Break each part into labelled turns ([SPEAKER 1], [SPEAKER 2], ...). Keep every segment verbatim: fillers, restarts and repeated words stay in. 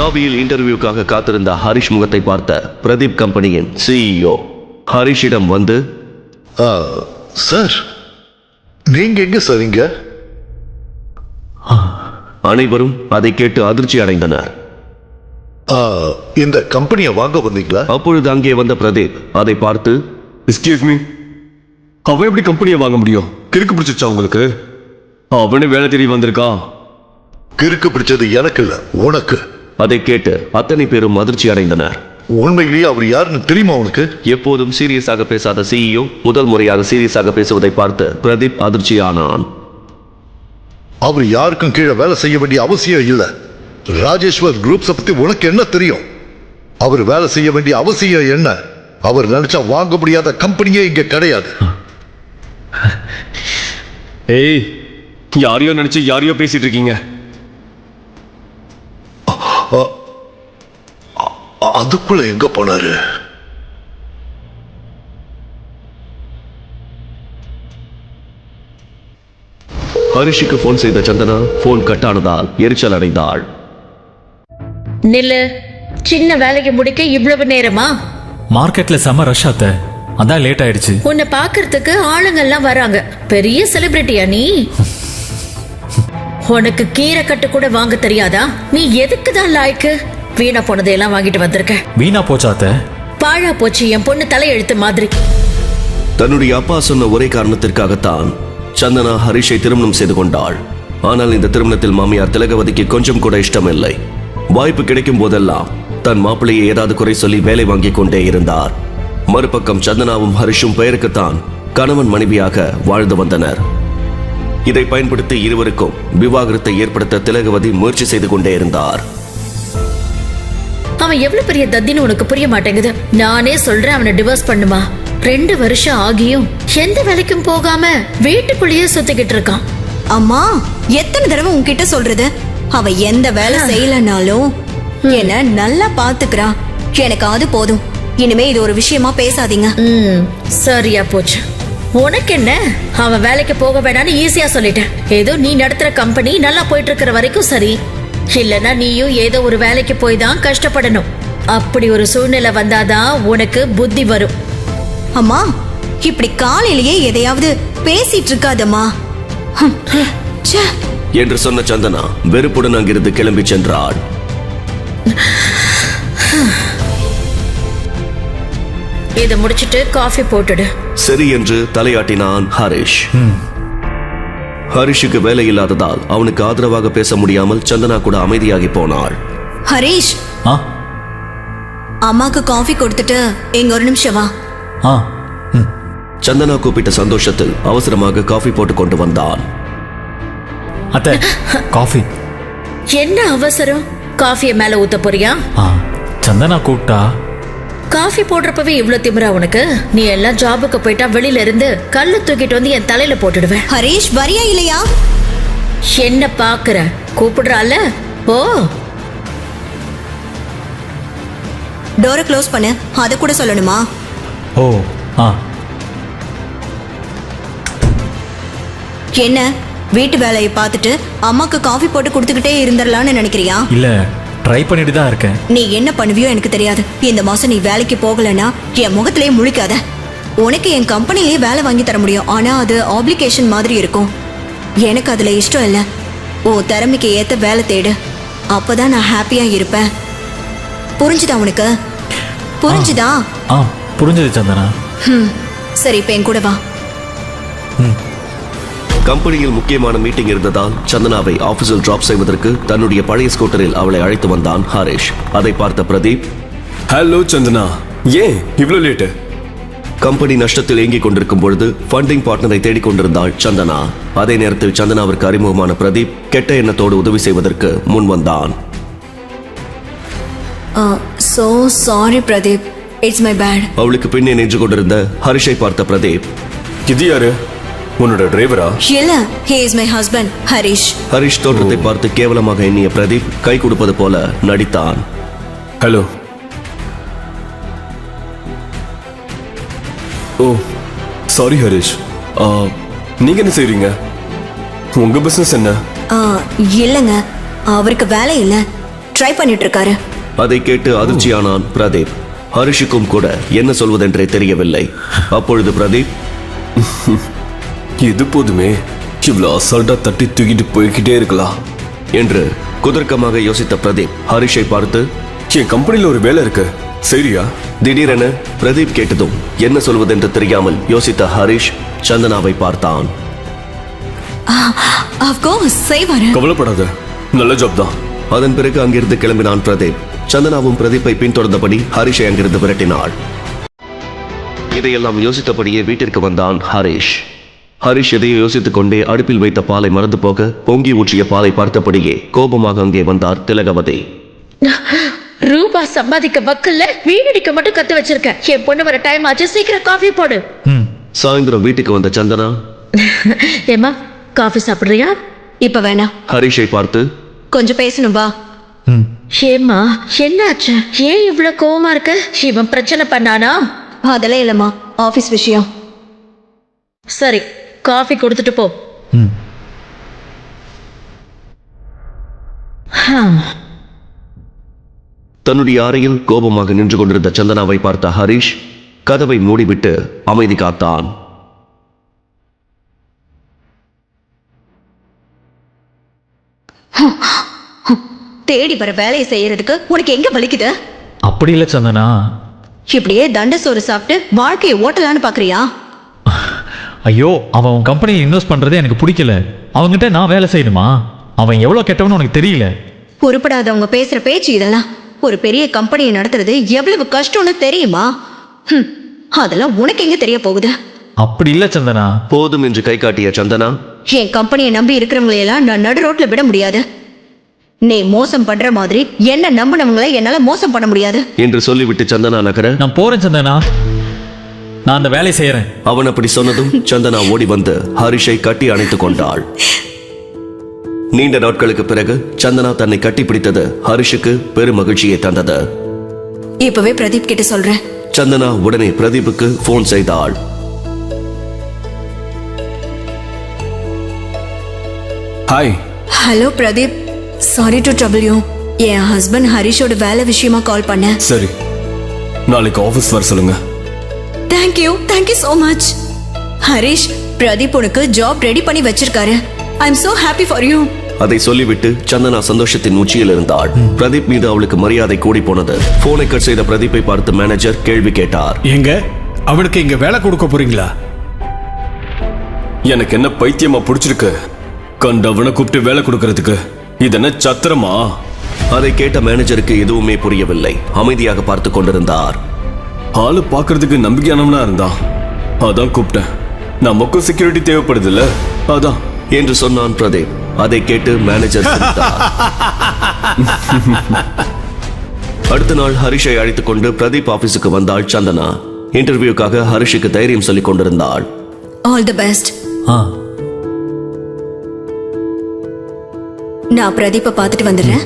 [SPEAKER 1] லாபியில் இன்டர்வியூக்காக காத்திருந்த ஹரிஷ் முகத்தை பார்த்த பிரதீப் கம்பெனியின் சிஇஓ ஹரிஷிடம் வந்து,
[SPEAKER 2] சார் நீங்க எங்க சார் இங்க?
[SPEAKER 1] அனைவரும் அதை கேட்டு அதிர்ச்சி அடைந்தனர்.
[SPEAKER 2] இந்த கம்பெனியை வாங்க வந்தீங்களா?
[SPEAKER 1] அப்பொழுது அங்கே வந்த பிரதீப் அதை பார்த்து,
[SPEAKER 3] எஸ்கியூஸ் மீ, அவன் எப்படி கம்பெனியை வாங்க முடியும்? கிறுக்கு பிடிச்சிச்சா உங்களுக்கு? அவனே வேலை தேடி வந்திருக்கான்.
[SPEAKER 2] கிறுக்கு பிடிச்சது எனக்கு இல்ல, உனக்கு.
[SPEAKER 1] அதை கேட்டு அத்தனை பேரும் அதிர்ச்சி அடைந்தனர்.
[SPEAKER 2] உண்மையிலேயே அவர் யாருன்னு தெரியுமா உனக்கு?
[SPEAKER 1] எப்போதும் சீரியஸாக பேசாத சிஇஓ முதல் முறையாக சீரியஸாக பேசுவதை பார்த்து பிரதீப் அதிர்ச்சியானான்.
[SPEAKER 2] அவர் யாருக்கும் கீழே வேலை செய்ய வேண்டிய அவசியம் இல்லை. ராஜேஸ்வர் குரூப்ஸை பத்தி உனக்கு என்ன தெரியும்? அவர் வேலை செய்ய வேண்டிய அவசியம் என்ன? அவர் நினைச்சா வாங்க முடியாத கம்பெனியே இங்க கிடையாது.
[SPEAKER 3] ஏய், யாரையோ நினைச்சு யாரையோ பேசிட்டு இருக்கீங்க.
[SPEAKER 2] அதுக்குள்ள எங்க போனாரு?
[SPEAKER 1] ஹரிஷுக்கு போன் செய்த சந்தனா போன் கட் ஆனதால் எரிச்சல் அடைந்தாள்.
[SPEAKER 4] நில்லு, சின்ன வேலைக்கு முடிக்க இவ்வளவு நேரமா?
[SPEAKER 5] மார்க்கெட்ல செம ரஷ் ஆத்த, அதான் லேட் ஆயிடுச்சு.
[SPEAKER 4] உன்னை பாக்குறதுக்கு ஆளுங்கெல்லாம் வராங்க. பெரிய செலிபிரிட்டியா நீ? உனக்கு கீரை கட்டு கூட வாங்க தெரியாதா? நீ எதுக்கு தான் லாய்க்கு? வீணா போனதையெல்லாம் வாங்கிட்டு வந்திருக்க.
[SPEAKER 5] வீணா போச்சாத்த?
[SPEAKER 4] பாழா போச்சு என் பொண்ணு தலையெழுத்து மாதிரி.
[SPEAKER 1] தன்னுடைய அப்பா சொன்ன ஒரே காரணத்திற்காகத்தான் சந்தனா ஹரிஷை திருமணம் செய்து கொண்டாள். ஆனால் இந்த திருமணத்தில் மாமியார் திலகவதிக்கு கொஞ்சம் கூட இஷ்டமில்லை. வாய்ப்பு கிடைக்கும் போதெல்லாம் தன் மாப்பிள்ளையை ஏதாவது குறை சொல்லி வேலை வாங்கிக் கொண்டே இருந்தார். மறுபக்கம் சந்தனாவும் ஹரிஷும் பெயருக்குத்தான் கணவன் மனைவியாக வாழ்ந்து வந்தனர். இதை பயன்படுத்தி இருவருக்கும் விவாகரத்தை ஏற்படுத்த திலகவதி முயற்சி செய்து கொண்டே இருந்தார்.
[SPEAKER 4] அவன் எவ்வளவு பெரிய தத்தின்னு உனக்கு புரிய மாட்டேங்குது. நானே சொல்றேன் அவனை டிவோர்ஸ் பண்ணுமா. ரெண்டு வருஷம் ஆகியும் எந்த வேலைக்கும் போகாம வீட்டுக்குள்ளேயே சுத்திக்கிட்டு இருக்கான்.
[SPEAKER 6] அம்மா, எத்தனை தடவை உன்கிட்ட சொல்றது? அவ எந்த வேலை செய்யலனாலும் என்ன நல்லா பாத்துக்கிறா. எனக்கு அது போதும். இனிமே இது ஒரு விஷயமா பேசாதீங்க.
[SPEAKER 4] ம், சரியா போச்சு. உனக்கு என்ன? அவன் வேலைக்கு போக வேணான்னு ஈஸியா சொல்லிட்டேன். ஏதோ நீ நடத்துற கம்பெனி நல்லா போயிட்டு இருக்கிற வரைக்கும் சரி. இல்லனா நீயும் ஏதோ ஒரு வேலைக்கு போய் தான் கஷ்டப்படணும். அப்படி ஒரு சூழ்நிலை வந்தாதான் உனக்கு புத்தி வரும்.
[SPEAKER 6] அம்மா, இப்படி காலையிலேயே எதையாவது பேசிட்டு இருக்காதம்மா
[SPEAKER 1] என்று சொன்ன சந்தனா வெறுப்புடன் அங்கிருந்து கிளம்பி சென்றாள்.
[SPEAKER 4] இதை முடிச்சிட்டு காஃபி போட்டுடு.
[SPEAKER 1] சரி என்று தலையாட்டினான் ஹரிஷ். ஹரிஷுக்கு வேலை இல்லாததால் அவனுக்கு ஆதரவாக பேச முடியாமல் சந்தனா கூட அமைதியாகி போனாள்.
[SPEAKER 6] ஹரிஷ், அம்மாக்கு காஃபி கொடுத்துட்டு எங்க ஒரு நிமிஷம் வா.
[SPEAKER 1] சந்தனா கூப்பிட்ட சந்தோஷத்தில் அவசரமாக காஃபி போட்டு கொண்டு வந்தான்.
[SPEAKER 5] அத்தை, காஃபி.
[SPEAKER 4] என்ன அவசரம்? காஃபியை மேல ஊத்த போறியா?
[SPEAKER 5] சந்தனா கூப்பிட்டா.
[SPEAKER 4] காஃபி போடுறப்பவே இவ்வளவு திமிரா உனக்கு? நீ எல்லாம் ஜாபுக்கு போயிட்டா வெளியில இருந்து கல்லு தூக்கிட்டு வந்து என் தலையில போட்டுடுவேன்.
[SPEAKER 6] ஹரிஷ், வரியா இல்லையா?
[SPEAKER 4] என்ன பாக்குற? கூப்பிடுறால? ஓ,
[SPEAKER 6] டோரை க்ளோஸ் பண்ணு. அத கூட சொல்லணுமா?
[SPEAKER 5] ஓ, ஆ.
[SPEAKER 6] என்ன, வீட்டு வேலையை பார்த்துட்டு அம்மாக்கு காஃபி போட்டு கொடுத்துக்கிட்டே இருந்துடலான்னு நினைக்கிறியா?
[SPEAKER 5] இல்ல, ட்ரை பண்ணிட்டு தான் இருக்கேன்.
[SPEAKER 6] நீ என்ன பண்ணுவியோ எனக்கு தெரியாது. இந்த மாசம் நீ வேலைக்கு போகலன்னா என் முகத்திலே முழிக்காத. உனக்கு என் கம்பெனிலேயே வேலை வாங்கி தர முடியும். ஆனா அது ஆப்ளிகேஷன் மாதிரி இருக்கும். எனக்கு அதுல இஷ்டம் இல்லை. ஓ திறமைக்கு ஏத்த வேலை தேடு. அப்பதான் நான் ஹாப்பியா இருப்பேன். புரிஞ்சுதா உனக்கு? புரிஞ்சுதா?
[SPEAKER 5] ஆ, புரிஞ்சது சந்தனா.
[SPEAKER 6] சரி, இப்ப என் கூட வா.
[SPEAKER 1] கம்பெனியில் முக்கியமான மீட்டிங் இருந்ததால் சந்தனாவை ஆபீஸில் டிராப் செய்வதற்கு தன்னுடைய பழைய ஸ்கூட்டரில் அவளை அழைத்து வந்தான் ஹரிஷ். அதை பார்த்த பிரதீப்,
[SPEAKER 3] ஹலோ சந்தனா, ஏன் இவ்வளவு லேட்டு?
[SPEAKER 1] கம்பெனி நஷ்டத்தில் இயங்கிக் கொண்டிருக்கும் பொழுது ஃபண்டிங் பார்ட்னரை தேடிக் கொண்டிருந்தாள் சந்தனா. அதே நேரத்தில் சந்தனாவிற்கு அறிமுகமான பிரதீப் கெட்ட எண்ணத்தோடு உதவி செய்வதற்கு முன் வந்தான்.
[SPEAKER 6] So sorry Pradeep, it's my bad.
[SPEAKER 1] அவளுக்கு பின்னே நின்று கொண்டிருந்த ஹரிஷை பார்த்த பிரதீப்,
[SPEAKER 3] இது யாரு? உன்னோட டிரைவரா?
[SPEAKER 6] இல்ல, he is my husband, Harish.
[SPEAKER 1] Harish தோற்றத்தை பார்த்து கேவலமாக எண்ணிய பிரதீப் கை கொடுப்பது போல நடித்தான்.
[SPEAKER 3] ஹலோ. ஓ சாரி ஹரிஷ், நீங்க என்ன செய்றீங்க? உங்க பிசினஸ் என்ன?
[SPEAKER 6] இல்லைங்க, அவருக்கு வேலை இல்லை. ட்ரை பண்ணிட்டு இருக்காரு.
[SPEAKER 1] அதை கேட்டு அதிர்ச்சியானான் பிரதீப். ஹரிஷுக்கும் கூட என்ன சொல்வதென்றே தெரியவில்லை. அப்பொழுது பிரதீப்,
[SPEAKER 3] இது போதுமே, இவ்வளோ அசால்ட்டா தட்டி தூக்கிட்டு போய்கிட்டே இருக்கலாம்
[SPEAKER 1] என்று குதர்க்கமாக யோசித்த பிரதீப் ஹரிஷை பார்த்து,
[SPEAKER 3] என் கம்பெனியில் ஒரு வேலை இருக்கு, சரியா?
[SPEAKER 1] திடீரென பிரதீப் கேட்டதும் என்ன சொல்வதென்று தெரியாமல் யோசித்த ஹரிஷ் சந்தனாவை பார்த்தான்.
[SPEAKER 6] ஆஃப் கோர்ஸ் செய்வாரு.
[SPEAKER 3] கவலைப்படாத, நல்ல ஜாப் தான்.
[SPEAKER 1] அதன் பிறகு அங்கிருந்து கிளம்பினான் பிரதீப். சந்தனாவும் பிரதீப்பை பின்தொடர்ந்தபடி ஹரிஷை அங்கிருந்து விரட்டினாள். இதையெல்லாம் யோசித்தபடியே வீட்டிற்கு வந்தான் ஹரிஷ். ஹரிஷ் எதையோ யோசித்துக் கொண்டே அடுப்பில் வைத்த பாலை மறந்து போக பொங்கி ஊற்றிய பாலை பார்த்தபடியே கோபமாக அங்கே வந்தார் திலகவதி.
[SPEAKER 4] ரூபா சம்பாதிக்க வக்கல்ல வீடிக்க மட்டும் கத்து வச்சிருக்க. என் பொண்ணு வர டைம் ஆச்சு, சீக்கிரம் காஃபி போடு.
[SPEAKER 1] சாயந்தரம் வீட்டுக்கு வந்த சந்தனா,
[SPEAKER 4] ஏமா காஃபி சாப்பிடுறியா?
[SPEAKER 6] இப்ப வேணாம்.
[SPEAKER 1] ஹரிஷை பார்த்து,
[SPEAKER 6] கொஞ்சம் பேசணும் வா.
[SPEAKER 4] ஏமா என்னாச்சு? ஏன் இவ்வளவு கோவமா இருக்க? இவன் பிரச்சனை பண்ணானா?
[SPEAKER 6] அதெல்லாம் இல்லம்மா, ஆபீஸ் விஷயம்.
[SPEAKER 4] சரி, காஃபி கொடுத்துட்டு போ. ஹம்.
[SPEAKER 1] தன்னுடைய அறையில் கோபமாக நின்று கொண்டிருந்த சந்தனாவை பார்த்த ஹரிஷ் கதவை மூடிவிட்டு அமைதி காத்தான்.
[SPEAKER 6] தேடி வர வேலையை செய்யறதுக்கு உனக்கு எங்க வலிக்குது?
[SPEAKER 5] அப்படி இல்லை சந்தனா.
[SPEAKER 6] இப்படியே தண்ட சோறு சாப்பிட்டு வாழ்க்கையை ஓட்டலான்னு பாக்குறியா?
[SPEAKER 5] ஐயோ, அவன் உன் கம்பெனியை இன்வெஸ்ட் பண்றதே எனக்கு பிடிக்கல. அவன்கிட்ட நான் வேலை செய்யணுமா? அவன் எவ்வளோ கெட்டவன்னு உனக்கு தெரியல.
[SPEAKER 6] பொறுப்படாதவங்க பேசுற பேச்சு இதெல்லாம். ஒரு பெரிய கம்பெனியை நடத்துறது எவ்வளவு கஷ்டம்னு தெரியுமா? ஹம், அதெல்லாம் உனக்கு எங்க தெரிய போகுது?
[SPEAKER 5] அப்படி இல்லை சந்தனா.
[SPEAKER 1] போதும் என்று கை காட்டிய சந்தனா,
[SPEAKER 6] என் கம்பெனியை நம்பி இருக்கிறவங்களையெல்லாம் நான் நடு ரோட்ல விட முடியாது. நீ மோசம் பண்ற மாதிரி என்ன நம்பினவங்களை என்னால மோசம் பண்ண முடியாது
[SPEAKER 1] என்று சொல்லிவிட்டு சந்தனா நகர,
[SPEAKER 5] நான் போறேன் சந்தனா, நான் அந்த வேலையை செய்யறேன்.
[SPEAKER 1] அவன் அப்படி சொன்னதும் சந்தனா ஓடி வந்து ஹரிஷை கட்டி அணைத்துக் கொண்டாள். நீண்ட நாட்களுக்கு பிறகு சந்தனா தன்னை கட்டி பிடித்தது ஹரிஷுக்கு பெரும் மகிழ்ச்சியை தந்தது.
[SPEAKER 6] இப்பவே பிரதீப் கிட்ட சொல்றேன்.
[SPEAKER 1] சந்தனா உடனே பிரதீப்புக்கு போன் செய்தாள்.
[SPEAKER 3] Hi.
[SPEAKER 6] Hello Pradeep, sorry to trouble you. என் ஹஸ்பண்ட் ஹரிஷோட வேலை விஷயமா கால் பண்ணேன்.
[SPEAKER 3] சரி, நாளைக்கு ஆஃபீஸ் வர சொல்லுங்க.
[SPEAKER 6] Thank you, thank you so much. Harish, Pradeep உனக்கு ஜாப் ரெடி பண்ணி வச்சிருக்காரு. I am so happy for you.
[SPEAKER 1] அதை சொல்லிவிட்டு சந்தனா சந்தோஷத்தின் உச்சியில் இருந்தாள். பிரதீப் மீது அவளுக்கு மரியாதை கூடி போனது. போனை கட் செய்த பிரதீப்பை பார்த்து மேனேஜர் கேள்வி கேட்டார்.
[SPEAKER 7] எங்க அவனுக்கு இங்க வேலை கொடுக்க போறீங்களா?
[SPEAKER 3] எனக்கு என்ன பைத்தியமா பிடிச்சிருக்கு கண்டவனை கூப்பிட்டு வேலை கொடுக்கறதுக்கு? இது என்ன சத்திரமா?
[SPEAKER 1] அதை கேட்ட மேனேஜருக்கு எதுவுமே புரியவில்லை. அமைதியாக பார்த்து கொண்டிருந்தார்.
[SPEAKER 3] ஆளு பாக்குறதுக்கு நம்பிக்கையானவனா இருந்தான், அதான் கூப்பிட்டேன். நமக்கும் செக்யூரிட்டி தேவைப்படுது இல்ல, அதான்
[SPEAKER 1] என்று சொன்னான் பிரதீப். அதை கேட்டு மேனேஜர் சிரித்தார். அடுத்த நாள் ஹரிஷை அழைத்துக் கொண்டு பிரதீப் ஆபீஸுக்கு வந்தாள் சந்தனா. இன்டர்வியூக்காக ஹரிஷுக்கு தைரியம் சொல்லிக் கொண்டிருந்தாள்.
[SPEAKER 6] All the best.
[SPEAKER 5] ஆ,
[SPEAKER 6] நான் பிரதீப்பை பார்த்துட்டு வந்துடுறேன்.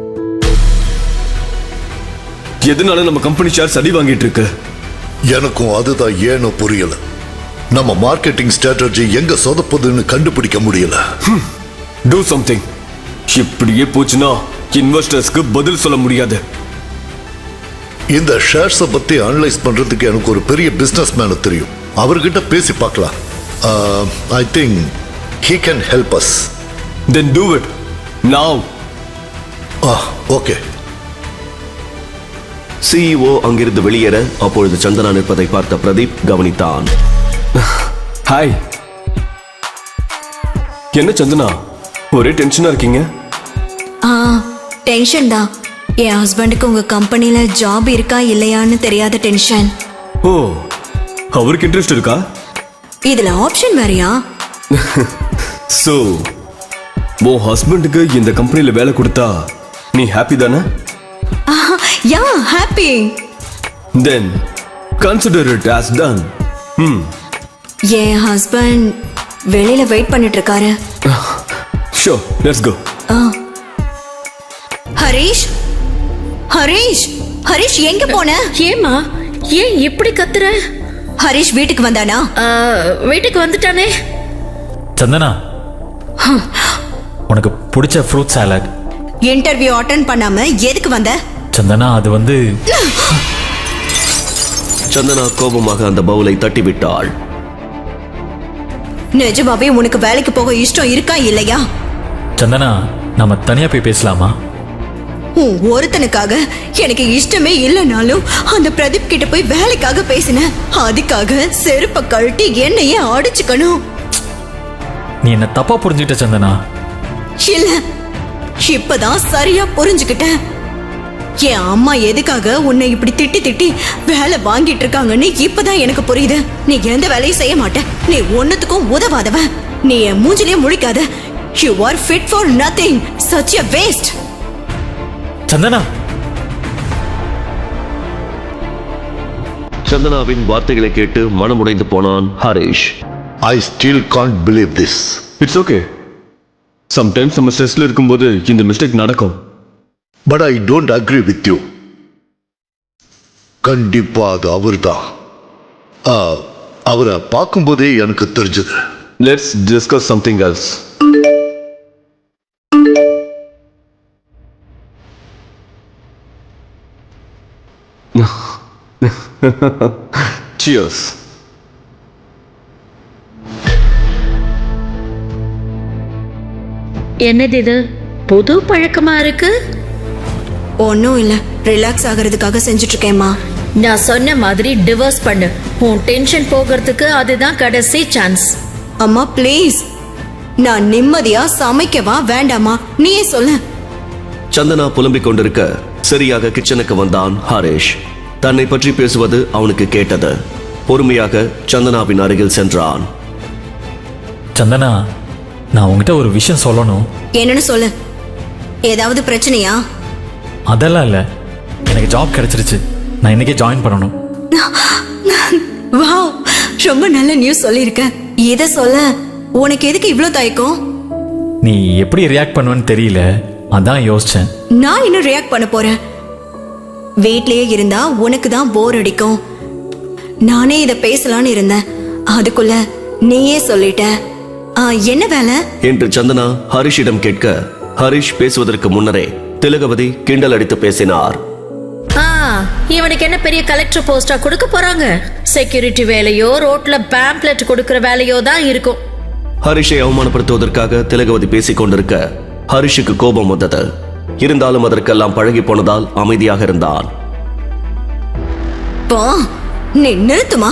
[SPEAKER 3] எதனால நம்ம கம்பெனி ஷேர் அடி வாங்கிட்டு இருக்கு?
[SPEAKER 2] எனக்கும் அதுதான் ஏனோ புரியல. நம்ம மார்க்கெட்டிங் ஸ்ட்ராட்டஜி எங்க சொதப்புதுன்னு கண்டுபிடிக்க முடியல.
[SPEAKER 3] Do something. இப்படியே போச்சுன்னா இன்வெஸ்டர்ஸ்க்கு பதில் சொல்ல முடியாது.
[SPEAKER 2] இந்த ஷேர்ஸை பத்தி அனலைஸ் பண்றதுக்கு எனக்கு ஒரு பெரிய பிசினஸ் மேன் தெரியும். அவர்கிட்ட பேசி பார்க்கலாம். I think he can help us.
[SPEAKER 3] Then do it now.
[SPEAKER 2] Okay.
[SPEAKER 1] CEO அங்கிருந்து வெளியேற அப்பொழுது சந்தனா நிற்பதை பார்த்த பிரதீப் கவனித்தான்.
[SPEAKER 3] ஹாய். என்ன சந்தனா, ஒரே டென்ஷனா இருக்கீங்க?
[SPEAKER 6] ஆ, டென்ஷன் தான். என் ஹஸ்பண்டுக்கு உங்க கம்பெனில ஜாப் இருக்கா இல்லையான்னு தெரியாத டென்ஷன்.
[SPEAKER 3] ஓ, அவருக்கு இன்ட்ரெஸ்ட் இருக்கா?
[SPEAKER 6] இதுல ஆப்ஷன் வேறயா?
[SPEAKER 3] சோ உன் ஹஸ்பண்டுக்கு இந்த கம்பெனில வேலை கொடுத்தா நீ ஹாப்பி தானே?
[SPEAKER 6] Yeah, happy.
[SPEAKER 3] Then consider it as done. ம்.
[SPEAKER 6] என் ஹஸ்பண்ட் வெளியில வெயிட் பண்ணிட்டு இருக்காரு.
[SPEAKER 3] So, let's go.
[SPEAKER 6] Harish, Harish, Harish எங்க போன?
[SPEAKER 4] ஏமா ஏன் இப்படி கத்துற?
[SPEAKER 6] ஹரிஷ் வீட்டுக்கு வந்தானா?
[SPEAKER 4] ஆ, வீட்டுக்கு வந்துட்டானே.
[SPEAKER 5] சந்தனா, உனக்கு பிடிச்ச ஃப்ரூட் சாலட்.
[SPEAKER 6] இன்டர்வியூ அட்டென்ட் பண்ணாம எதுக்கு வந்த?
[SPEAKER 5] சந்தனா அது வந்து
[SPEAKER 1] சந்தனா கோபமாக அந்த பவுலை தட்டிவிட்டாள்.
[SPEAKER 6] நிஜமாவே உனக்கு வேலைக்கு போக இஷ்டம் இருக்கா இல்லையா?
[SPEAKER 5] சந்தனா நம்ம தனியா போய் பேசலாமா?
[SPEAKER 6] உன் ஒருத்தனுக்காக எனக்கு இஷ்டமே இல்லைனாலும் அந்த பிரதீப் கிட்ட போய் வேலைக்காக பேசின. அதுக்காக செருப்ப கழட்டி என்னையே அடிச்சுக்கணும்.
[SPEAKER 5] நீ என்ன தப்பா புரிஞ்சுக்கிட்ட சந்தனா.
[SPEAKER 6] இல்ல, இப்பதான் சரியா புரிஞ்சுக்கிட்டேன். என் அம்மா எதுக்காக உன்னை இப்படி திட்டி திட்டி வேலை வாங்கிட்டு இருக்காங்கன்னு இப்பதான் எனக்கு புரியுது. நீ எந்த வேலையும் செய்ய மாட்ட, நீ ஒன்னத்துக்கும் உதவாதவ. நீ என் மூஞ்சிலே முழிக்காத. You are fit for nothing. Such a waste.
[SPEAKER 5] Santhana
[SPEAKER 1] சந்தனாவின் வார்த்தைகளை கேட்டு மனமுடைந்து போனான் Harish.
[SPEAKER 2] I still can't believe this.
[SPEAKER 3] It's okay. Sometimes நம்ம ஸ்ட்ரெஸ்ல இருக்கும்போது இந்த மிஸ்டேக் நடக்கும்.
[SPEAKER 2] But I don't agree with you. கண்டிப்பா அது அவர்தான். ஆ, அவரை பார்க்கும்போதே எனக்கு தெரிஞ்சது.
[SPEAKER 3] Let's discuss something else. Cheers.
[SPEAKER 4] என்னது இது புது பழக்கமா இருக்கு?
[SPEAKER 6] ஒன்னும் இல்ல, ரிலாக்ஸ் ஆகிறதுக்காக செஞ்சுட்டு இருக்கேம்மா.
[SPEAKER 4] நான் சொன்ன மாதிரி டிவோர்ஸ் பண்ணு. உன் டென்ஷன் போகிறதுக்கு அதுதான் கடைசி சான்ஸ்.
[SPEAKER 6] அம்மா ப்ளீஸ், நான் நிம்மதியா சமைக்கவா வேண்டாமா நீயே சொல்லு.
[SPEAKER 1] சந்தனா புலம்பிக் கொண்டிருக்க சரியாக கிச்சனுக்கு வந்தான் ஹரிஷ். தன்னை பற்றி பேசுவது அவனுக்கு கேட்டது. பொறுமையாக சந்தனாவின் அருகில் சென்றான்.
[SPEAKER 5] சந்தனா நான் உங்ககிட்ட ஒரு விஷயம் சொல்லணும்.
[SPEAKER 6] என்னன்னு சொல்லு. ஏதாவது பிரச்சனையா?
[SPEAKER 5] அதெல்லாம் இல்லை, எனக்கு ஜாப் கிடைச்சிருச்சு. நான் இன்னைக்கே ஜாயின் பண்ணணும்.
[SPEAKER 6] வாவ், ரொம்ப நல்ல நியூஸ் சொல்லியிருக்க. இத சொல்ல உனக்கு எதுக்கு இவ்ளோ தயக்கம்?
[SPEAKER 5] நீ எப்படி ரியாக்ட் பண்ணுவேன்னு தெரியல, அதான் யோசிச்சேன்.
[SPEAKER 6] நான் இன்னும் ரியாக்ட் பண்ண போறேன். வீட்லயே இருந்தா உனக்கு தான் போர் அடிக்கும். நானே இத பேசலான்னு இருந்தேன், அதுக்குள்ள நீயே சொல்லிட்ட. ஆ, என்ன வேலை
[SPEAKER 1] என்று சந்தனா ஹரிஷிடம் கேட்க, ஹரிஷ் பேசுவதற்கு முன்னரே திலகவதி கிண்டல் அடித்து பேசினார்.
[SPEAKER 4] ஆ, இவனுக்கு என்ன பெரிய கலெக்டர் போஸ்டா கொடுக்க போறாங்க? செக்யூரிட்டி வேலையோ ரோட்ல பேம்ப்ளெட் கொடுக்கிற வேலையோ தான் இருக்கும்.
[SPEAKER 1] ஹரிஷை அவமானப்படுத்துவதற்காக திலகவதி பேசிக் கொண்டிருக்க ஹரிஷுக்கு கோபம் வந்தது. இருந்தாலும் அதற்கெல்லாம் பழகி போனதால் அமைதியாக இருந்தான்.
[SPEAKER 6] போ, நீ நிறுத்துமா.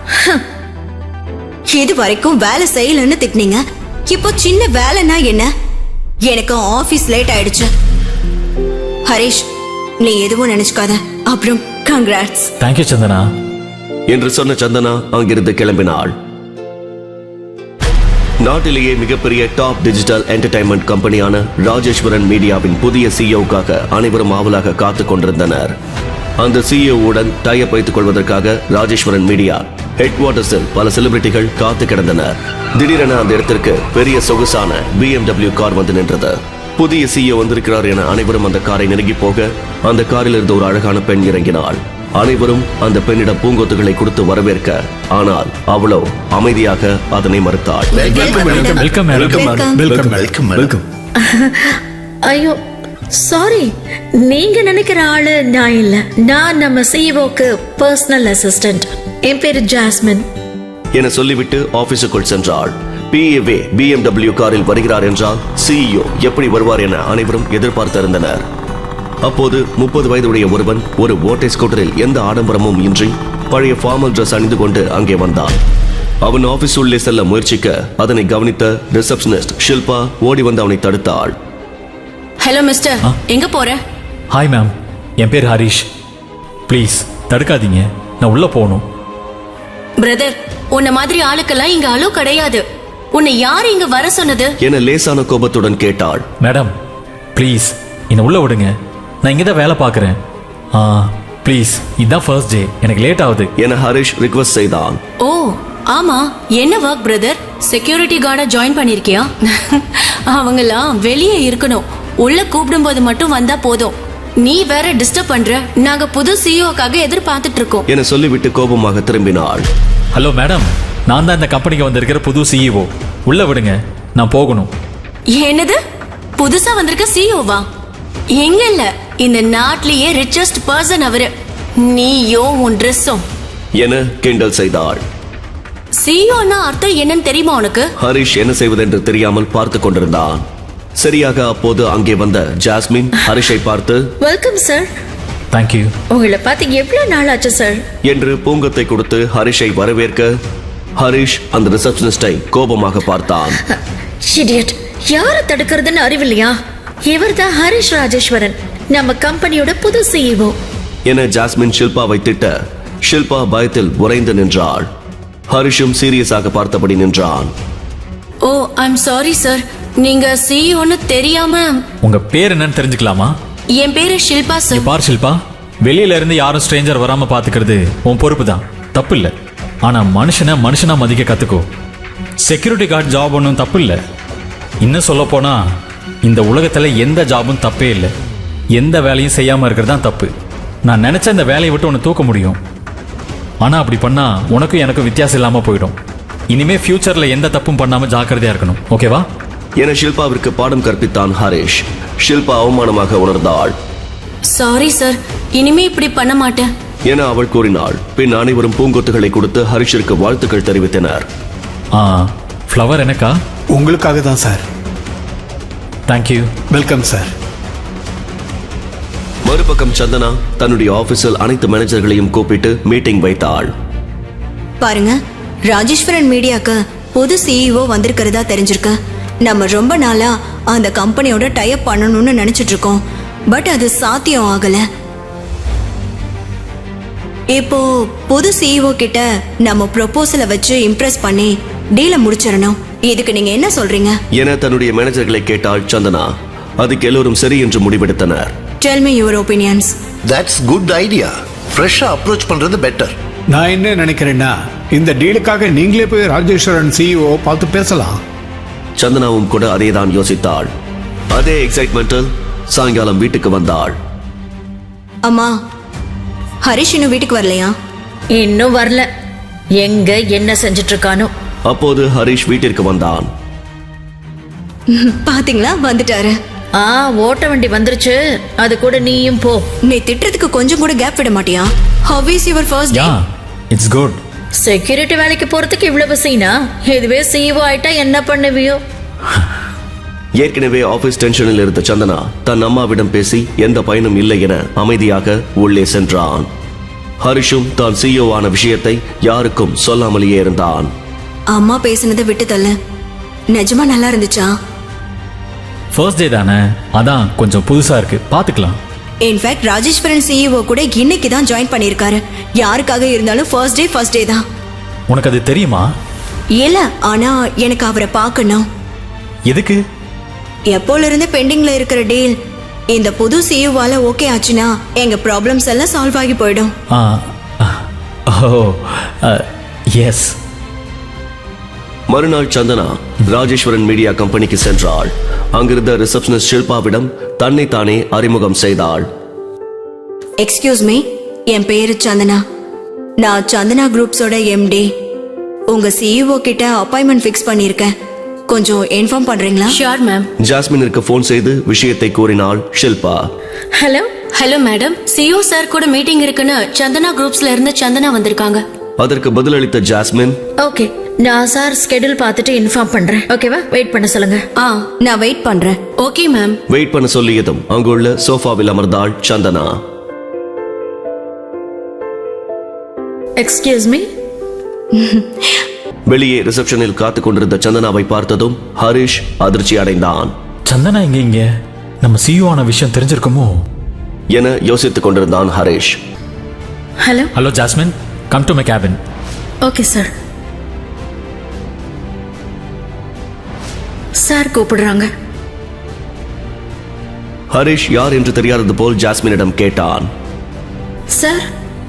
[SPEAKER 6] இது வரைக்கும் வேலை செய்யலன்னு திட்டினீங்க, இப்போ சின்ன வேலைன்னா என்ன? எனக்கு ஆபீஸ் லேட் ஆயிடுச்சு. ஹரிஷ், நீ எதுவும் நினைச்சுக்காத. அப்புறம் கங்க்ராட்ஸ்.
[SPEAKER 5] தேங்க்யூ சந்தனா
[SPEAKER 1] என்று சொன்ன சந்தனா அங்கிருந்து கிளம்பினாள். நாட்டிலேயே மிகப்பெரிய டாப் டிஜிட்டல் என்டர்டைன்மெண்ட் கம்பெனியான ராஜேஸ்வரன் மீடியாவின் புதிய சிஇஓக்காக அனைவரும் ஆவலாக காத்துக் கொண்டிருந்தனர். அந்த சிஇஓவுடன் டைப் வைத்துக் கொள்வதற்காக ராஜேஸ்வரன் மீடியா ஹெட் குவார்ட்டர்ஸில் பல செலிபிரிட்டிகள் காத்து கிடந்தனர். திடீரென அந்த இடத்திற்கு பெரிய சொகுசான பிஎம்டபிள்யூ கார் வந்து நின்றது. புதிய சிஇஓ வந்திருக்கிறார் என அனைவரும் அந்த காரை நெருங்கி போக அந்த காரில் இருந்த ஒரு அழகான பெண் இறங்கினாள். அனைவரும் அந்த பெண்ணிடம் பூங்கொத்துகளை கொடுத்து வரவேற்க, ஆனால் அவளோ அமைதியாக அதனை மறுத்தாள்.
[SPEAKER 5] Welcome
[SPEAKER 7] welcome welcome welcome.
[SPEAKER 4] ஐயோ சாரி, நீங்க நினைக்கிற ஆளு நான் இல்ல. நான் நம்ம சிஇஓக்கு பர்சனல் அசிஸ்டன்ட். என் பேரு ஜாஸ்மின்
[SPEAKER 1] என சொல்லிவிட்டு ஆபீஸுக்குள் சென்றாள். பிஏவே பிஎம்டபிள்யூ காரில் வருகிறார் என்றால் சிஇஓ எப்படி வருவார் என அனைவரும் எதிர்பார்த்திருந்தனர். அப்போது முப்பது வயதுடைய ஒருவன் ஒரு ஓட்டை ஸ்கூட்டரில் எந்த ஆடம்பரமும் இன்றி பழைய ஃபார்மல் டிரஸ் அணிந்து கொண்டு அங்கே வந்தான். அவன் ஆபீஸ் உள்ளே செல்ல முயற்சிக்க அதனை கவனித்த ரிசப்ஷனிஸ்ட் ஷில்பா ஓடி வந்து அவனை தடுத்தாள்.
[SPEAKER 6] ஹலோ மிஸ்டர், எங்க போற?
[SPEAKER 5] ஹாய் மேம், என் பேர் ஹரிஷ். ப்ளீஸ் தடுக்காதீங்க, நான் உள்ள போகணும்.
[SPEAKER 8] பிரதர், உன்ன மாதிரி ஆளுக்கெல்லாம் இங்க அலோ கிடையாது. உன்னை யார் இங்க வர சொன்னது
[SPEAKER 1] என லேசான கோபத்துடன் கேட்டாள்.
[SPEAKER 5] மேடம் ப்ளீஸ் என்னை உள்ள விடுங்க, நான் இங்கே தான் வேலை பார்க்குறேன். ஆ ப்ளீஸ், இதுதான் ஃபர்ஸ்ட் டே, எனக்கு லேட் ஆகுது
[SPEAKER 1] என ஹரிஷ் ரிக்வெஸ்ட் செய்தான்.
[SPEAKER 8] ஓ ஆமா, என்ன ஒர்க் பிரதர்? செக்யூரிட்டி கார்டா ஜாயின் பண்ணிருக்கியா? அவங்கெல்லாம் வெளியே இருக்கணும், உள்ள கூப்பிடும் போது மட்டும் வந்தா போதும். நீ வேற டிஸ்டர்ப் பண்ற. நாங்க புது சிஇஓக்காக எதிர்பார்த்துட்டு இருக்கோம்
[SPEAKER 1] என சொல்லிவிட்டு கோபமாக திரும்பினாள்.
[SPEAKER 5] ஹலோ மேடம், நான் தான் இந்த கம்பெனிக்கு வந்திருக்கிற புது சிஇஓ. உள்ள விடுங்க, நான் போகணும்.
[SPEAKER 8] என்னது? புதுசா வந்திருக்க சிஇஓவா? எங்க இல்ல இந்த நாட்டிலேயே ரிச்சஸ்ட் பர்சன் அவரு. நீயோ உன் ட்ரெஸ்ஸும்.
[SPEAKER 1] என கிண்டல் செய்தாள்.
[SPEAKER 8] சிஇஓன்னா அர்த்தம் என்னன்னு தெரியுமா உனக்கு?
[SPEAKER 1] ஹரிஷ் என்ன செய்வதென்று தெரியாமல் பார்த்து கொண்டிருந்தான். சரியாக அப்போது அங்கே வந்த ஜாஸ்மின் ஹரிஷை பார்த்து
[SPEAKER 4] வெல்கம் சார்.
[SPEAKER 5] தேங்க்யூ.
[SPEAKER 4] உங்களை பார்த்து எவ்வளவு நாள் ஆச்சு சார்
[SPEAKER 1] என்று பூங்கத்தை கொடுத்து ஹரிஷை வரவேற்க ஹரிஷ் அந்த ரிசப்ஷனிஸ்டை கோபமாக பார்த்தான்.
[SPEAKER 4] இடியட், யார தடுக்கிறதுன்னு அறிவில்லையா? இவர்தான் ஹரிஷ் ராஜேஸ்வரன், நம்ம கம்பெனியோட புது சிஇஓ
[SPEAKER 1] என ஜாஸ்மின் ஷில்பாவை திட்ட ஷில்பா பயத்தில் உறைந்து நின்றாள். ஹரிஷும் சீரியஸாக பார்த்தபடி நின்றான்.
[SPEAKER 8] ஓ ஐம் சாரி சார், நீங்க சிஇஓன்னு தெரியாம.
[SPEAKER 5] உங்க பேர் என்னன்னு தெரிஞ்சுக்கலாமா?
[SPEAKER 8] என் பேரு ஷில்பா
[SPEAKER 5] இங்க
[SPEAKER 8] சார்.
[SPEAKER 5] பார் ஷில்பா, வெளியில இருந்து யாரும் ஸ்ட்ரேஞ்சர் வராம பாத்துக்கிறது உன் பொறுப்பு தான், தப்பு இல்ல. ஆனா மனுஷனை மனுஷனா மதிக்க கத்துக்கோ. செக்யூரிட்டி கார்டு ஜாப் ஒன்றும் தப்பு இல்லை. இன்னும் சொல்ல போனா இந்த உலகத்துல எந்த ஜாபும் தப்பே இல்லை. எந்த வேலையும் செய்யாம இருக்கிறது தான் தப்பு. நான் நினைச்ச இந்த வேலையை விட்டு உன்னை தூக்க முடியும். ஆனா அப்படி பண்ணா உனக்கும் எனக்கும் வித்தியாசம் இல்லாம போயிடும். இனிமே ஃபியூச்சர்ல எந்த தப்பும் பண்ணாம ஜாக்கிரதையா இருக்கணும், ஓகேவா?
[SPEAKER 1] என ஷில்பாவிற்கு பாடம் கற்பித்தான் ஹரிஷ். ஷில்பா அவமானமாக உணர்ந்தாள்.
[SPEAKER 8] சாரி சார், இனிமே இப்படி பண்ண மாட்டேன்
[SPEAKER 1] என அவள் கூறினாள். பின் அனைவரும் பூங்கொத்துகளை கொடுத்து ஹரிஷிற்கு வாழ்த்துக்கள் தெரிவித்தனர்.
[SPEAKER 5] ஆ, ஃப்ளவர் எனக்கா?
[SPEAKER 7] உங்களுக்காக தான் சார்.
[SPEAKER 5] தேங்க்யூ.
[SPEAKER 7] Welcome sir.
[SPEAKER 1] மறுபக்கம் சந்தனா தன்னுடைய ஆபீஸில் அனைத்து மேனேஜர்களையும் கூப்பிட்டு மீட்டிங் வைத்தாள்.
[SPEAKER 6] பாருங்க, ராஜேஸ்வரன் மீடியாக்கு புது சிஇஓ வந்திருக்கிறதா தெரிஞ்சிருக்கு. நம்ம ரொம்ப நாளா அந்த கம்பெனியோட டைப் பண்ணணும்னு நினைச்சிட்டு இருக்கோம். பட் அது சாத்தியம் ஆகல. இப்போ புது சிஇஓ கிட்ட நம்ம ப்ரொபோசலை வச்சு இம்ப்ரெஸ் பண்ணி டீலை முடிச்சிடணும். இதுக்கு நீங்க என்ன சொல்றீங்க?
[SPEAKER 1] என தன்னுடைய மேனேஜர்களை கேட்டாள் சந்தனா. அதுக்கு எல்லோரும் சரி என்று முடிவெடுத்தனர்.
[SPEAKER 6] Tell me your opinions.
[SPEAKER 2] That's good idea. ஃப்ரெஷ்ஷா அப்ரோச் பண்றது பெட்டர்.
[SPEAKER 7] நான் என்ன நினைக்கிறேன்னா, இந்த டீலுக்காக நீங்களே போய் ராஜேஸ்வரன் சிஇஓ பார்த்து பேசலாம்.
[SPEAKER 1] சந்தனாவும் கூட அதேதான் யோசித்தாள். அதே எக்ஸைட்மெண்டில் சாயங்காலம் வீட்டுக்கு வந்தாள்.
[SPEAKER 6] அம்மா, ஹரிஷ் இன்னும் வீட்டுக்கு வரலையா?
[SPEAKER 4] இன்னும் வரல. எங்க என்ன செஞ்சிட்டு இருக்கானோ.
[SPEAKER 1] அப்போது ஹரிஷ் வீட்டிற்கு வந்தான்.
[SPEAKER 6] பாத்தீங்களா, வந்துட்டாரு.
[SPEAKER 4] ஆ, ஓட்ட வண்டி வந்துருச்சு. அது கூட நீயும் போ.
[SPEAKER 6] நீ திட்டுறதுக்கு கொஞ்சம் கூட கேப் விட மாட்டியா? How is your first day?
[SPEAKER 5] Yeah, it's good.
[SPEAKER 4] Security வேலைக்கு போறதுக்கு இவ்வளவு சீனா? இதுவே சிஇஓ ஆயிட்டா என்ன பண்ணுவியோ?
[SPEAKER 1] ஏற்கனவே ஆபீஸ் டென்ஷனில் இருந்த சந்தனா தன் அம்மாவிடம் பேசி எந்த பயனும் இல்லை என அமைதியாக உள்ளே சென்றான். ஹரிஷும் தான் சிஇஓ ஆன விஷயத்தை யாருக்கும் சொல்லாமலேயே இருந்தான்.
[SPEAKER 6] அம்மா பேசினதை விட்டு தள்ளு. நிஜமா நல்லா இருந்துச்சா?
[SPEAKER 5] ஃபர்ஸ்ட் டே தானே, அதான் கொஞ்சம் புதுசா இருக்கு, பாத்துக்கலாம்.
[SPEAKER 6] இன்ஃபேக்ட் ராஜேஸ்வரன் சிஇஓ கூட இன்னைக்கு தான் ஜாயின் பண்ணியிருக்காரு. யாருக்காக இருந்தாலும் ஃபர்ஸ்ட் டே ஃபர்ஸ்ட் டே தான்.
[SPEAKER 5] உனக்கு அது தெரியுமா?
[SPEAKER 6] இல்ல, ஆனா எனக்கு அவரை பார்க்கணும்.
[SPEAKER 5] எதுக்கு?
[SPEAKER 6] எப்போல இருந்து பெண்டிங்ல இருக்கிற டீல் இந்த புது சிஇஓவால ஓகே ஆச்சுன்னா எங்க ப்ராப்ளம்ஸ் எல்லாம் சால்வ் ஆகி போயிடும்.
[SPEAKER 5] ஆ, ஓ, எஸ்.
[SPEAKER 1] மறுநாள் சந்தனா ராஜேஸ்வரன் மீடியா கம்பெனிக்கு சென்றாள். அங்கிருந்த ரிசப்ஷனிஸ்ட் ஷில்பாவிடம் தன்னை தானே அறிமுகம் செய்தாள்.
[SPEAKER 6] எக்ஸ்கியூஸ் மீ, என் பேரு சந்தனா. நான் சந்தனா குரூப்ஸோட எம்டி. உங்க சிஇஓ கிட்ட அப்பாயின்மெண்ட் ஃபிக்ஸ் பண்ணியிருக்கேன். கொஞ்சம் இன்ஃபார்ம் பண்றீங்களா?
[SPEAKER 8] Sure ma'am.
[SPEAKER 1] ஜாஸ்மினிற்கு போன் செய்து விஷயத்தை கூறினாள் Shilpa.
[SPEAKER 4] Hello
[SPEAKER 8] hello madam, CEO sir கூட மீட்டிங் இருக்குன்னு சந்தனா குரூப்ஸ்ல இருந்து சந்தனா வந்திருக்காங்க.
[SPEAKER 1] அதற்கு பதிலளித்த ஜாஸ்மின்,
[SPEAKER 4] ஓகே, நான் சார் ஸ்கெடியூல் பார்த்துட்டு இன்ஃபார்ம் பண்றேன். ஓகேவா? வெயிட் பண்ண சொல்லுங்க.
[SPEAKER 8] ஆ,
[SPEAKER 6] நான் வெயிட் பண்றேன்.
[SPEAKER 8] Okay ma'am.
[SPEAKER 1] வெயிட் பண்ண சொல்லியதும் அங்குள்ள சோஃபாவில் அமர்ந்தாள் சந்தனா.
[SPEAKER 4] Excuse me.
[SPEAKER 1] வெளியே ரிசப்ஷனில் காத்துக் கொண்டிருந்த சந்தனாவை பார்த்ததும் ஹரிஷ் அதிர்ச்சி அடைந்தான்.
[SPEAKER 5] சந்தனா இங்க இங்க நம்ம சிஇஓ ஆன விஷயம் தெரிஞ்சிருக்குமோ
[SPEAKER 1] என யோசித்துக் கொண்டிருந்தான் Harish.
[SPEAKER 4] Hello
[SPEAKER 5] hello Jasmine, come to my cabin.
[SPEAKER 4] Okay sir. Sir கூப்பிடுறாங்க.
[SPEAKER 1] ஹரிஷ் யார் என்று தெரியாதது போல் ஜாஸ்மினிடம் கேட்டான்.
[SPEAKER 4] சார்,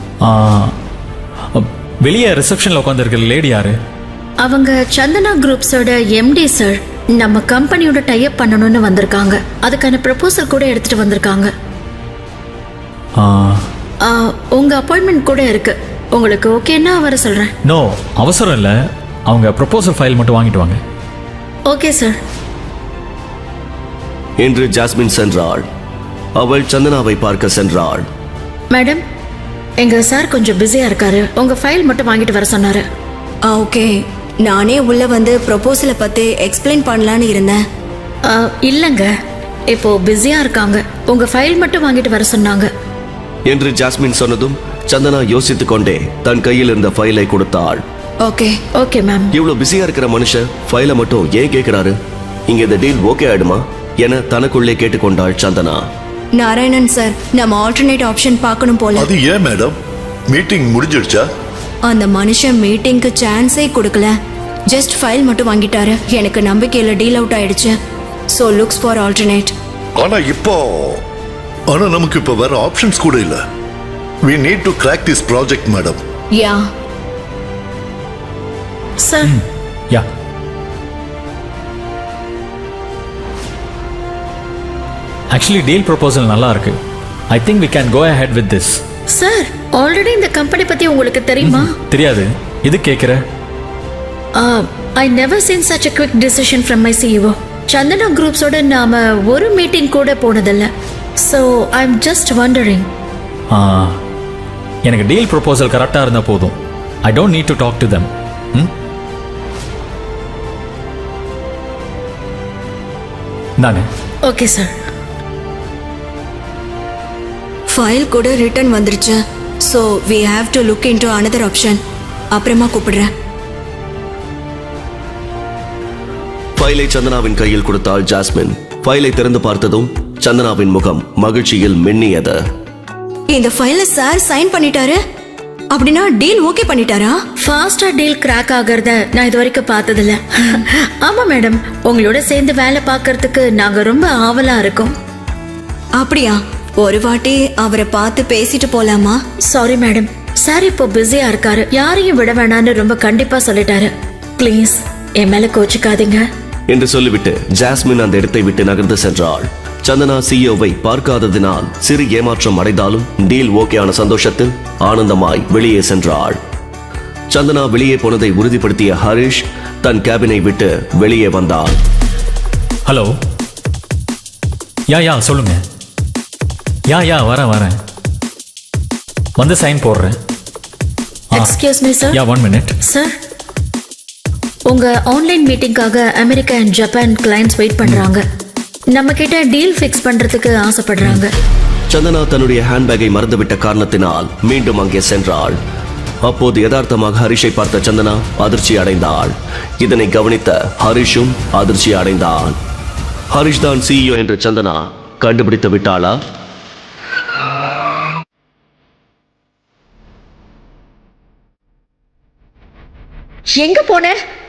[SPEAKER 5] வெளியே ரிசப்ஷன்ல உட்காந்துருக்கிற லேடி யாரு?
[SPEAKER 4] அவங்க சந்தனா குரூப்ஸோட எம்டி சார். நம்ம கம்பெனியோட டைப் பண்ணணும்னு வந்திருக்காங்க. அதுக்கான ப்ரப்போசல் கூட எடுத்துட்டு வந்திருக்காங்க.
[SPEAKER 5] ஆ,
[SPEAKER 4] ஆ, உங்க அப்பாயின்மெண்ட் கூட இருக்கு. உங்களுக்கு ஓகேன்னா வர சொல்றேன்.
[SPEAKER 5] நோ, அவசரம் இல்லை. அவங்க ப்ரொபோசல் ஃபைல் மட்டும் வாங்கிட்டு வாங்க.
[SPEAKER 4] Okay sir.
[SPEAKER 1] என்று ஜாஸ்மின் சென்றாள். அவள் சந்தனாவை பார்க்க சென்றாள்.
[SPEAKER 4] மேடம், எங்க சார் கொஞ்சம் பிஸியா இருக்காரு. உங்க ஃபைல் மட்டும் வாங்கிட்டு வர சொன்னாரு.
[SPEAKER 6] ஓகே, நானே உள்ள வந்து ப்ரொபோசலை பத்தி எக்ஸ்பிளைன் பண்ணலான்னு இருந்தேன்.
[SPEAKER 4] ஆ, இல்லங்க, இப்போ பிஸியா இருக்காங்க. உங்க ஃபைல் மட்டும் வாங்கிட்டு வர சொன்னாங்க.
[SPEAKER 1] என்று ஜாஸ்மின் சொன்னதும் சந்தனா யோசித்துக் கொண்டே தன் கையில் இருந்த ஃபைலை கொடுத்தாள்.
[SPEAKER 6] Okay
[SPEAKER 4] okay ma'am.
[SPEAKER 1] இவ்வளவு பிஸியா இருக்கிற மனுஷன் ஃபைலை மட்டும் ஏன் கேட்கிறாரு? இங்க இந்த டீல் ஓகே ஆயிடுமா என தனக்குள்ளே கேட்டுக்கொண்டாள் சந்தனா.
[SPEAKER 6] நாராயணன் சார், நம்ம ஆல்டர்னேட் ஆப்ஷன் பார்க்கணும் போல.
[SPEAKER 2] அது ஏன் மேடம்? மீட்டிங் முடிஞ்சிடுச்சா?
[SPEAKER 6] அந்த மனுஷன் மீட்டிங்க்கு சான்ஸே கொடுக்கல. ஜஸ்ட் ஃபைல் மட்டும் வாங்கிட்டாரு. எனக்கு நம்பிக்கையில டீல் அவுட் ஆயிடுச்சு. So looks for alternate.
[SPEAKER 2] ஆனா இப்போ ஆனா நமக்கு இப்போ வேற ஆப்ஷன்ஸ் கூட இல்ல. we need to crack this project madam.
[SPEAKER 6] Yeah
[SPEAKER 4] sir,
[SPEAKER 5] yeah actually deal proposal நல்லா இருக்கு. I think we can go ahead with this.
[SPEAKER 4] Sir, already இந்த கம்பெனி பத்தி உங்களுக்கு தெரியுமா?
[SPEAKER 5] தெரியாது, இது கேட்குற.
[SPEAKER 4] I never seen such a quick decision from my C E O. Santhana குரூப்ஸோட நாம ஒரு மீட்டிங் கூட போனதில்ல. So I am just wondering.
[SPEAKER 5] எனக்கு டீல் ப்ரொபோசல் கரெக்டாக இருந்தால் போதும். I don't need to talk to them. தானே?
[SPEAKER 4] Okay sir.
[SPEAKER 6] ஃபைல் கூட ரிட்டர்ன் வந்துருச்சு. So we have to look into another option. அப்புறமா கூப்பிடுறேன்.
[SPEAKER 1] ஃபைலை சந்தனாவின் கையில் கொடுத்தாள் ஜாஸ்மின். ஃபைலை திறந்து பார்த்ததும் சந்தனாவின் முகம் மகிழ்ச்சியில் மின்னியது.
[SPEAKER 6] இந்த ஃபைல சார் சைன் பண்ணிட்டாரு. அப்படின்னா டீல் ஓகே பண்ணிட்டாரா?
[SPEAKER 4] ஃபாஸ்டா டீல் கிராக் ஆகிறத நான் இது வரைக்கும் பார்த்ததில்ல. ஆமா மேடம், உங்களோட சேர்ந்து வேலை பார்க்கறதுக்கு நாங்க ரொம்ப ஆவலா இருக்கோம்.
[SPEAKER 6] அப்படியா? ஒரு வாட்டி அவரை பார்த்து பேசிட்டு போலாமா?
[SPEAKER 4] சாரி மேடம், சார் இப்போ பிஸியா இருக்காரு. யாரையும் விட வேணான்னு ரொம்ப கண்டிப்பா சொல்லிட்டாரு. ப்ளீஸ் என் மேல கோச்சிக்காதீங்க
[SPEAKER 1] என்று சொல்லிவிட்டு ஜாஸ்மின் அந்த இடத்தை விட்டு நகர்ந்து சென்றாள். சந்தனா சிஇஓவை பார்க்காததினால் சிறு ஏமாற்றம் அடைந்தாலும் டீல் ஓகேயான சந்தோஷத்தில் ஆனந்தமாய் வெளியே சென்றாள். சந்தனா வெளியே போனதை உறுதிப்படுத்திய ஹரிஷ் தன் கேபினை விட்டு வெளியே வந்தாள்.
[SPEAKER 5] ஹலோ. யா யா சொல்லுங்க. யா யா வரேன் வரேன் வந்து சைன் போடுறேன்.
[SPEAKER 4] Excuse me sir.
[SPEAKER 5] Yeah one minute.
[SPEAKER 4] Sir, உங்க ஆன்லைன் மீட்டிங்காக America and Japan clients wait பண்றாங்க. நம்ம கிட்ட டீல் ஃபிக்ஸ் பண்றதுக்கு ஆசைப்படுறாங்க.
[SPEAKER 1] சந்தனா தன்னுடைய ஹேண்ட்பேக்கை மறந்துவிட்ட காரணத்தினால் மீண்டும் அங்கே சென்றாள். அப்போது யதார்த்தமாக ஹரிஷை பார்த்த சந்தனா அதிர்ச்சி அடைந்தாள். இதனை கவனித்த ஹரிஷும் அதிர்ச்சி அடைந்தான். ஹரிஷ் தான் சிஇஓ என்று சந்தனா கண்டுபிடித்து விட்டாளா?
[SPEAKER 4] எங்க போன?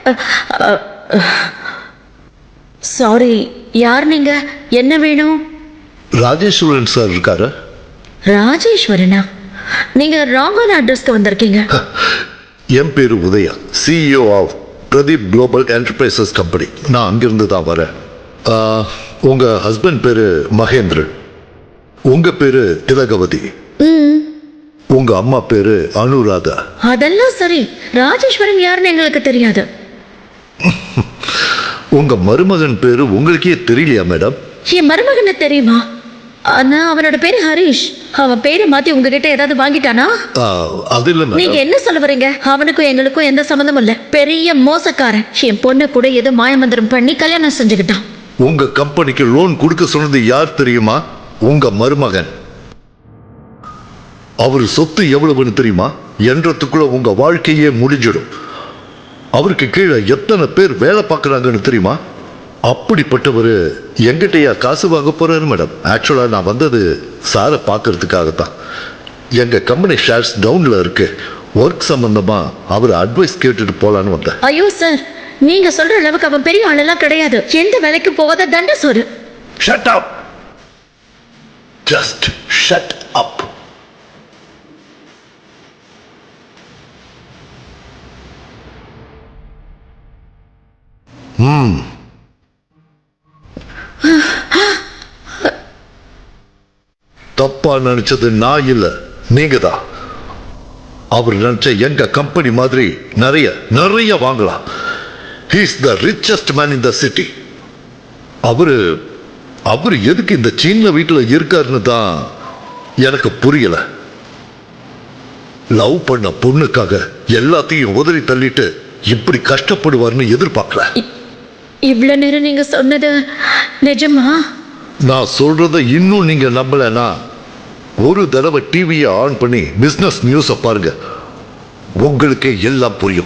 [SPEAKER 4] சாரி, யார் நீங்க? என்ன வேணும்?
[SPEAKER 2] ராஜேஸ்வரன் சார் இருக்காரு.
[SPEAKER 4] ராஜேஸ்வரனா? நீங்க ராங்கான அட்ரஸ்க்கு வந்திருக்கீங்க.
[SPEAKER 2] என் பேரு Udhaya, CEO of Pradeep Global Enterprises company. நான் அங்கிருந்து தான் வரேன். ஆ, உங்க ஹஸ்பண்ட் பேரு மகேந்திரன், உங்க பேரு திலகவதி, உங்க அம்மா பேரு அனுராதா.
[SPEAKER 4] அதெல்லாம் சரி, ராஜேஸ்வரன் யாருன்னு எங்களுக்கு தெரியாது.
[SPEAKER 2] உங்க மருமகன் பேரு உங்களுக்கே தெரியலையா மேடம்?
[SPEAKER 4] என் மருமகனை தெரியுமா? ஆனா அவனோட பேரு ஹரிஷ். அவன் பேரை மாத்தி உங்ககிட்ட ஏதாவது வாங்கிட்டானா?
[SPEAKER 2] ஆ, அது இல்ல
[SPEAKER 4] நீங்க
[SPEAKER 2] மேடம்.
[SPEAKER 4] என்ன சொல்ல வரீங்க? அவனுக்கும் எங்களுக்கும் எந்த சம்மந்தமும் இல்ல. பெரிய மோசக்காரன். என் பொண்ணு கூட ஏதோ மாயமந்திரம் பண்ணி கல்யாணம் செஞ்சுக்கிட்டான்.
[SPEAKER 2] உங்க கம்பெனிக்கு லோன் கொடுக்க சொன்னது யார் தெரியுமா? உங்க மருமகன். அவர் சொத்து எவ்வளவுன்னு தெரியுமா? என்றதுக்குள்ள உங்க வாழ்க்கையே முடிஞ்சிடும். அவருக்கு கீழே எத்தனை பேர் வேலை பார்க்கறாங்கன்னு தெரியுமா? அப்படிப்பட்டவர் எங்கிட்டயா காசு வாங்க போறாரு மேடம்? ஆக்சுவலா நான் வந்தது சாரை பார்க்கறதுக்காகத்தான். எங்க கம்பெனி ஷேர்ஸ் டவுன்ல இருக்கு. ஒர்க் சம்பந்தமா அவர் அட்வைஸ் கேட்டுட்டு போலான்னு வந்தேன்.
[SPEAKER 4] ஐயோ சார், நீங்க சொல்ற அளவுக்கு அவன் பெரிய ஆளெல்லாம் கிடையாது. எந்த வேலைக்கு போகாத தண்ட சோறு.
[SPEAKER 2] Shut up. Just shut up. ம். தப்பா நினைச்சது நான் இல்ல, நீங்க தான். அவர் நினைச்ச எங்க கம்பெனி மாதிரி நிறைய நிறைய வாங்கலாம். He is the richest man in the city. அவரு அவர் எதுக்கு இந்த சின்ன வீட்டுல இருக்காருன்னு தான் எனக்கு புரியல. லவ் பண்ண பொண்ணுக்காக எல்லாத்தையும் உதறி தள்ளிட்டு இப்படி கஷ்டப்படுவார்னு எதிர்பார்க்கல.
[SPEAKER 4] இவ்வளவு நேரம் நீங்க சொன்னது நிஜமா?
[SPEAKER 2] நான் சொல்றத இன்னும் நீங்க நம்பலனா ஒரு தடவை டிவியை ஆன் பண்ணி பிசினஸ் நியூஸை பாருங்க, உங்களுக்கே எல்லாம் புரியும்.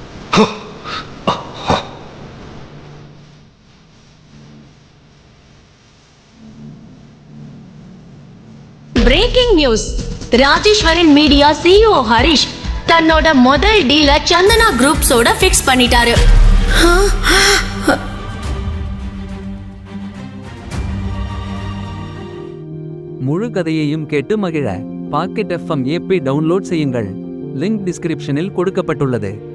[SPEAKER 8] Breaking news. Rajeswaran Media CEO Harish தன்னோட முதல் டீல சந்தனா குரூப்ஸோட ஃபிக்ஸ் பண்ணிட்டாரு.
[SPEAKER 9] முழு கதையையும் கேட்டு மகிழ பாக்கெட் எஃப்எம் ஏபி டவுன்லோட் செய்யுங்கள். லிங்க் டிஸ்கிரிப்ஷனில் கொடுக்கப்பட்டுள்ளது.